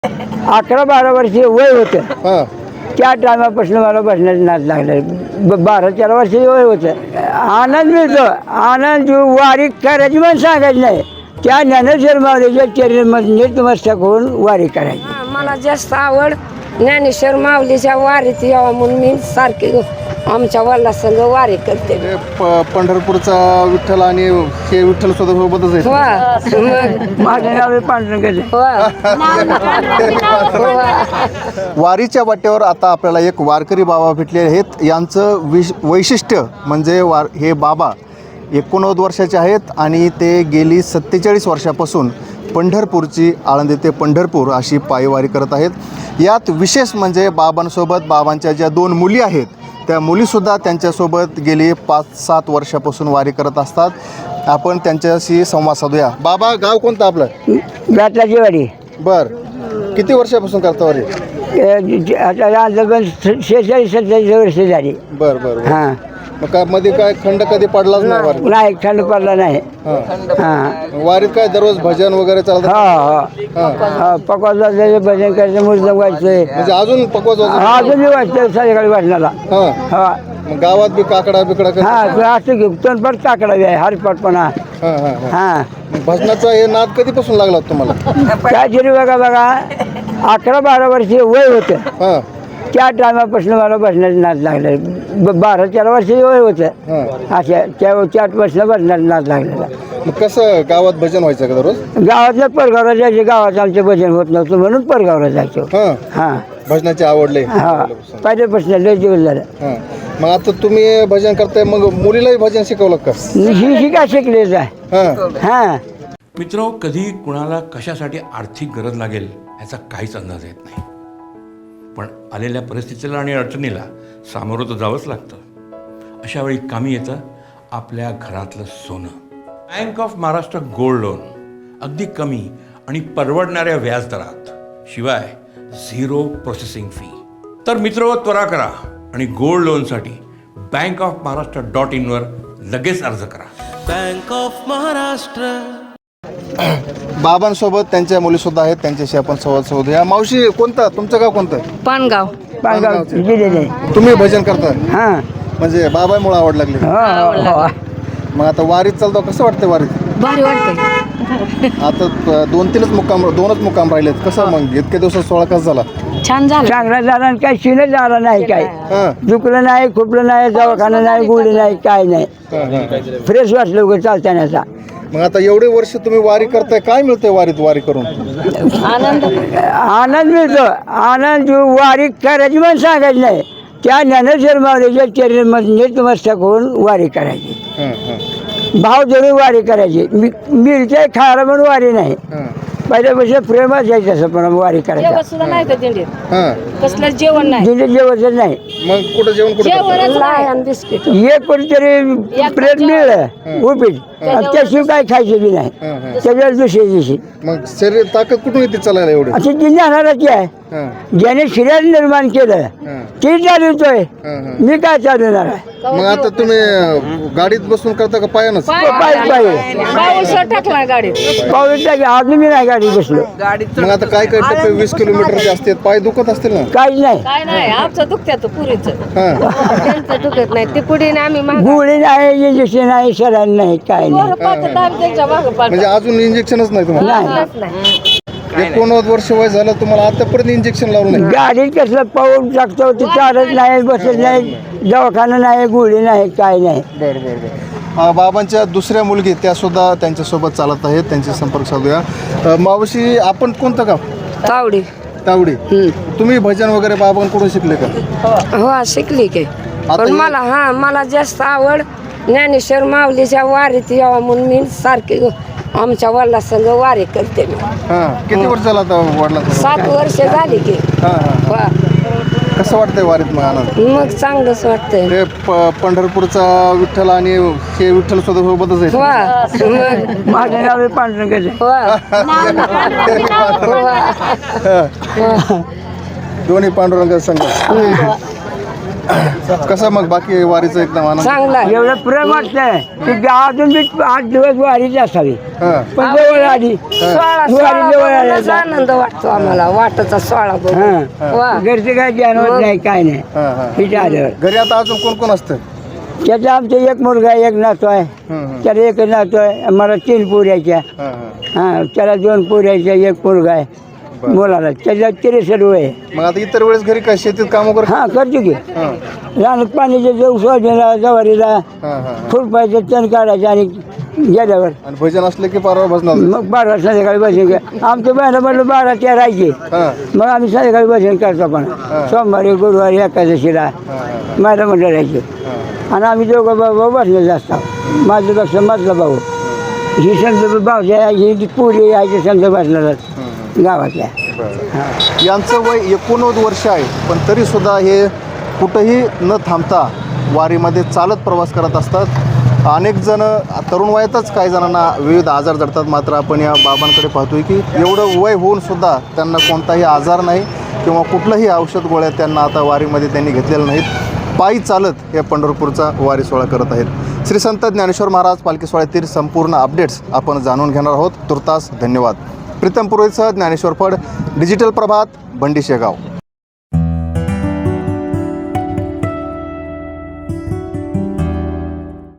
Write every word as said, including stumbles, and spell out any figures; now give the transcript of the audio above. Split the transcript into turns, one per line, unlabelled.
अकरा बारा वर्षी वय होतं.
हां
त्या टायमापासून मला बसण्याचं नाद लागलं. ब बारा तेरा वर्षाची वय होतं. आनंद मिळतो. आनंद वारी करायची पण सांगायची नाही. त्या ज्ञानेश्वर माऊलीच्या चरणमध्ये नतमस्तक होऊन वारी करायची.
हा, मला जास्त आवड ज्ञानेश्वर माऊलीच्या वारीत यावं म्हणून मी सारखी आमच्या वडिलांसंग वारी करते.
हे प पंढरपूरचा विठ्ठल आणि हे विठ्ठल सोबतच आहे.
वा मग
माझं नाव आहे पांडुरंगाचं.
वा
वारीच्या वाटेवर आता आपल्याला एक वारकरी बाबा भेटले आहेत. यांचं विश वैशिष्ट्य म्हणजे वार हे बाबा एकोणनव्वद वर्षाचे आहेत आणि ते गेली सत्तेचाळीस वर्षापासून पंढरपूरची आळंदी ते पंढरपूर अशी पायवारी करत आहेत. यात विशेष म्हणजे बाबांसोबत बाबांच्या ज्या दोन मुली आहेत त्या मुलीसुद्धा त्यांच्यासोबत गेली पाच सात वर्षापासून वारी करत असतात. आपण त्यांच्याशी संवाद साधूया. बाबा गाव कोणतं आपलं?
गाठाची वारी.
बरं किती वर्षापासून करता वारी?
ए, आता अंदाजन शेहेचाळीस सत्तेचाळीस वर्ष झाली.
बरं बरं.
हां
मग काय मध्ये काय खंड कधी पडलाच नाही वारीत?
नाही खंड पडला नाही.
हां
हां
वारीत काय दररोज भजन वगैरे चालतं?
हा
हां
हा पकवायचं भजन करायचं मुर्दम वाजतंय.
म्हणजे अजून पकवाच
हा अजूनही वाजतंय संध्याकाळी वाजण्याला.
हां
हा
मग गावात बी काकडा बिकडा कसं?
हा ते असं की तोंडपाट काकडावी आहे हरपाटपणा.
हां हां हां
हा
मग भजनाचा हे नाद कधीपासून लागला होता तुम्हाला?
काय तरी बघा बघा अकरा बारा वर्षी वय होतं.
हां
त्या टायमापासून मला बसण्याचं नाद लागलं. ब बारा तेरा वर्षाची वय होतं.
हां
अशा त्या त्या वर्षाला बसण्याचं नाद लागलेला.
मग कसं गावात भजन व्हायचं का दररोज?
गावातल्या परगावला जायचे. गावात आमचं भजन होत नव्हतं म्हणून परगावला जायचो.
हां
हां
भजनाची आवडले.
हा पहिल्यापासून लय दिवस झालं.
हां मग आता तुम्ही भजन करताय मग मुलीलाही भजन शिकवलं का?
ही शिका शिकलेच आहे.
हां
हां
मित्र, कधी कुणाला कशासाठी आर्थिक गरज लागेल ह्याचा काहीच अंदाज येत नाही. पण आलेल्या परिस्थितीला आणि अडचणीला सामोरं तर जावंच लागतं. अशा वेळी कामी येतं आपल्या घरातलं सोनं. Bank of Maharashtra gold loan अगदी कमी आणि परवडणाऱ्या व्याजदरात, शिवाय झिरो प्रोसेसिंग फी. तर मित्र, त्वरा करा आणि गोल्ड लोनसाठी बँक ऑफ महाराष्ट्र डॉट इनवर लगेच अर्ज करा.
Bank of Maharashtra.
बाबांसोबत त्यांच्या मुलीसुद्धा आहेत. त्यांच्याशी आपण संवाद साधूया. मावशी कोणतं तुमचं गाव कोणतं?
पानगाव.
पानगाव गेलेले.
तुम्ही भजन करता
हां
म्हणजे बाबामुळे आवड लागली.
हो हो
मग आता वारीत चालतो कसं वाटतं वारीत?
भारी वाटतंय.
आता प- दोन तीनच मुक्काम दोनच मुक्काम राहिलेत. कसं मग इतक्या दिवसात सोळा कसा झाला?
छान झालं.
चांगला झाला आणि काही शिनच झाला नाही. काय
हां
दुखलं नाही खुपलं नाही दवाखाना नाही गोळी नाही काय नाही.
हां हां
फ्रेश वाटलं उगं चालतानाचा.
मग आता एवढे वर्ष तुम्ही वारी करताय, काय मिळतंय वारीत वारी करून?
आनंद.
आनंद मिळतो. आनंद वारी करायची पण सांगायची नाही. त्या ज्ञानेश्वर माऊलीच्या चरणमध्ये नतमस्तक होऊन वारी करायची.
हां हां
भाव जरूर वारी करायची. मी मिळते खायला म्हणून वारी नाही.
हां
पहिल्यापासून प्रेमच आहे तसं पण वारी करायचं.
जेवण सुद्धा नाही का दिंडीत?
हां
कसलं जेवण नाही.
दिले जेवणच नाही.
मग कुठं जेवण कुठं करता?
जेवणच नाही. बिस्किट.
एक कोणीतरी प्लेट मिळलं उपीट त्याशिवाय काय खायचं बी नाही.
हां हां
सगळ्याच दुसऱ्या दिवशी
मग शरीर ताकद कुठून येते चालायला एवढी?
असं ती ज्ञानाची आहे.
हां
ज्याने शरीर निर्माण केलं
हां
ते चालवतोय.
हां हां
मी काय चालवणार आहे?
मग आता तुम्ही अं, गाडीत बसून करता का पायानंच?
पाय पाय
पाऊस टाकला गाडीत.
पाऊस टाकी अजून मी नाही गाडी बसलो.
मग आता काय काय टप्पे वीस किलोमीटरचे असतात, पाय दुखत असतील ना?
काहीच नाही.
काय नाही आमचं दुखत्यात पुरीचं.
हां
त्यांचं दुखत नाही. ते पुढे आम्ही मागं.
गोळी नाही इंजेक्शन नाही सरांनी नाही काय नाही.
पोरं पाहतात आम्ही त्यांच्या मागं पाहतो.
म्हणजे अजून इंजेक्शनच नाही तुम्हाला?
नाही
नाही.
एकोणनव्वद वर्ष वय झालं तुम्हाला आतापर्यंत इंजेक्शन लावलं नाही?
गाडीत कसलं पाऊस टाकतो ते चालत नाही बसत नाही दवाखाना नाही गोळी नाही काय नाही.
बरं बरं बरं. अं, बाबांच्या दुसऱ्या मुलगी त्या सुद्धा त्यांच्यासोबत चालत आहेत. त्यांचे संपर्क साधूया. अं, मावशी आपण कोणतं गाव?
तावडी.
तावडी. तुम्ही भजन वगैरे बाबांकडून शिकले का?
हो शिकली की.
आता
पण
हे-
मला हा मला जास्त आवड ज्ञानेश्वर माऊलीच्या वारीत यावं म्हणून मी सारखी आमच्या वडिलांसंग वारी करते. मी
हां किती वर्ष झालं आता वडिलांचं?
सात वर्ष झाली की.
हां हां
वा.
कसं वाटतंय वारीत मग आनंद?
मग चांगलंच वाटतंय.
ते प- पंढरपूरचा विठ्ठल आणि हे विठ्ठल सुद्धा सोबतच आहे.
वा मग
माझं नाव आहे पांडुरंगाचं.
वा. वा.
दोन्ही पांडुरंग संघ. कसं मग बाकी वारीचं एकदम आनंद?
चांगला आहे.
एवढं प्रेम वाटतंय की अजून बी आठ दिवस वारीच असावी,
हां.
पण जवळ आली.
सोळा
वारी
सोळा
जवळ
बघूनच
आली.
आनंद वाटतो आम्हाला वाटचा सोळा बघून
हां.
वा
घरचं काय ध्यान होत नाही, काय नाही.
हां, हां.
तिथे आल्यावर
घरी आता अजून कोण कोण असतं?
त्याचं आमचं एक मुलगा आहे, एक नातू आहे.
हं, हं.
त्याला एक नातू आहे, मला तीन पोऱ्याच्या.
हां, हां.
हां, त्याला दोन पोऱ्याच्या, एक मुलगा आहे
बरं.
मुलाला. त्याच्या त्रेसष्ट वय आहे.
मग आता इतर वेळेस घरी काय शेतीत काम वगैरे?
हां, करतो की
हां,
रानात पाण्याचे जाऊ सोयाबीनला जवारीला
हां, हां.
खुरपायचं तण काढायचं आणि गेल्यावर
आणि भजन असले की परवा भजनाला जायचं?
मग बारा संध्याकाळी भजन कर. आमचं बहिणं म्हणलं बारा त्या राहायचे.
हां,
मग आम्ही संध्याकाळी भजन करतो पण सोमवारी गुरुवारी एकादशीला
हां, हां,
माझं म्हणलं राहायचे.
हां.
आणि आम्ही दोघं भाऊ भाऊ बसले जास्त. माझ्यापेक्षा मधला भाऊ ही समजा भाऊच्या ही पुरी यायची समजा बसणार गावातल्या.
बरं. यांचं वय एकोणनव्वद वर्ष आहे, पण तरी सुद्धा हे कुठंही न थांबता वारीमध्ये चालत प्रवास करत असतात. अनेक जण तरुण वयातच काही जणांना विविध आजार जडतात, मात्र आपण या बाबांकडे पाहतोय की एवढं वय होऊन सुद्धा त्यांना कोणताही आजार नाही किंवा कुठलंही औषध गोळ्या त्यांना आता वारीमध्ये त्यांनी घेतलेलं नाहीत. पायी चालत हे पंढरपूरचा वारी सोहळा करत आहेत. श्री संत ज्ञानेश्वर महाराज पालखी सोहळ्यातील संपूर्ण अपडेट्स आपण जाणून घेणार आहोत. तुर्तास धन्यवाद. प्रीतम पुरोहितसह ज्ञानेश्वर फड, डिजिटल प्रभात, बंडी शेगाव.